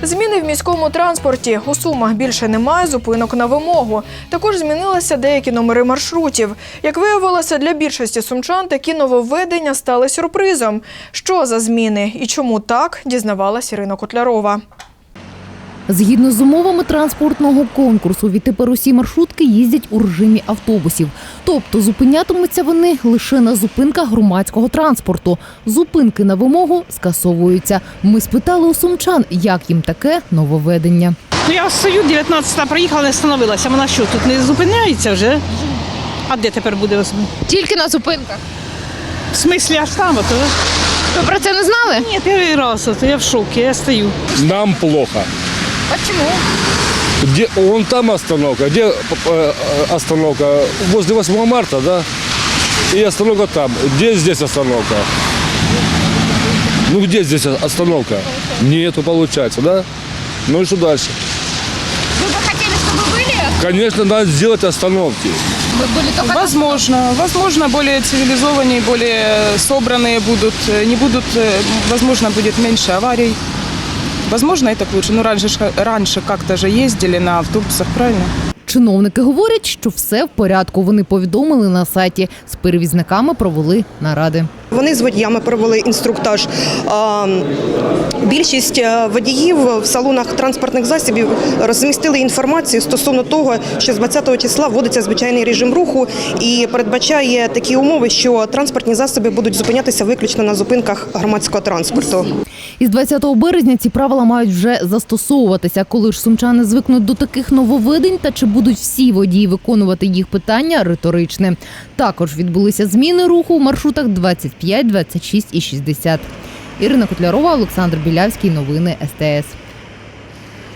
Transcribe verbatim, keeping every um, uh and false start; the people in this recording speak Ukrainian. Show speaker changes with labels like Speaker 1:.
Speaker 1: Зміни в міському транспорті. У Сумах більше немає зупинок на вимогу. Також змінилися деякі номери маршрутів. Як виявилося, для більшості сумчан такі нововведення стали сюрпризом. Що за зміни і чому так, дізнавалась Ірина Котлярова.
Speaker 2: Згідно з умовами транспортного конкурсу, відтепер усі маршрутки їздять у режимі автобусів. Тобто зупинятимуться вони лише на зупинках громадського транспорту. Зупинки на вимогу скасовуються. Ми спитали у сумчан, як їм таке нововведення.
Speaker 3: Ну, я стою, дев'ятнадцята проїхала, не встановилася. Вона що, тут не зупиняється вже? А де тепер буде?
Speaker 4: Тільки на зупинках.
Speaker 3: В смислі аж там? Ото?
Speaker 4: Ви про це не знали?
Speaker 3: Ні, перший раз, ото я в шокі, я стою.
Speaker 5: Нам плохо.
Speaker 4: Почему?
Speaker 5: Где, вон там остановка, где э, остановка? Возле восьмого марта, да? И остановка там. Где здесь остановка? Ну где здесь остановка? Нету, получается, да? Ну и что дальше?
Speaker 4: Вы бы хотели, чтобы были?
Speaker 5: Конечно, надо сделать остановки.
Speaker 4: Мы были только...
Speaker 6: Возможно, возможно, более цивилизованные, более собранные будут, не будут, возможно, будет меньше аварий. Возможно, это лучше. Но раньше, раньше как-то же ездили на автобусах, правильно?
Speaker 2: Чиновники говорять, що все в порядку. Вони повідомили на сайті. З перевізниками провели наради.
Speaker 7: Вони з водіями провели інструктаж. Більшість водіїв в салонах транспортних засобів розмістили інформацію стосовно того, що з двадцятого числа вводиться звичайний режим руху і передбачає такі умови, що транспортні засоби будуть зупинятися виключно на зупинках громадського транспорту.
Speaker 2: Із двадцятого березня ці правила мають вже застосовуватися. Коли ж сумчани звикнуть до таких нововведень та чи будуть всі водії виконувати їх, питання риторичне. Також відбулися зміни руху в маршрутах двадцять п'ять, двадцять шість і шістдесят. Ірина Котлярова, Олександр Білявський. Новини ес те ес.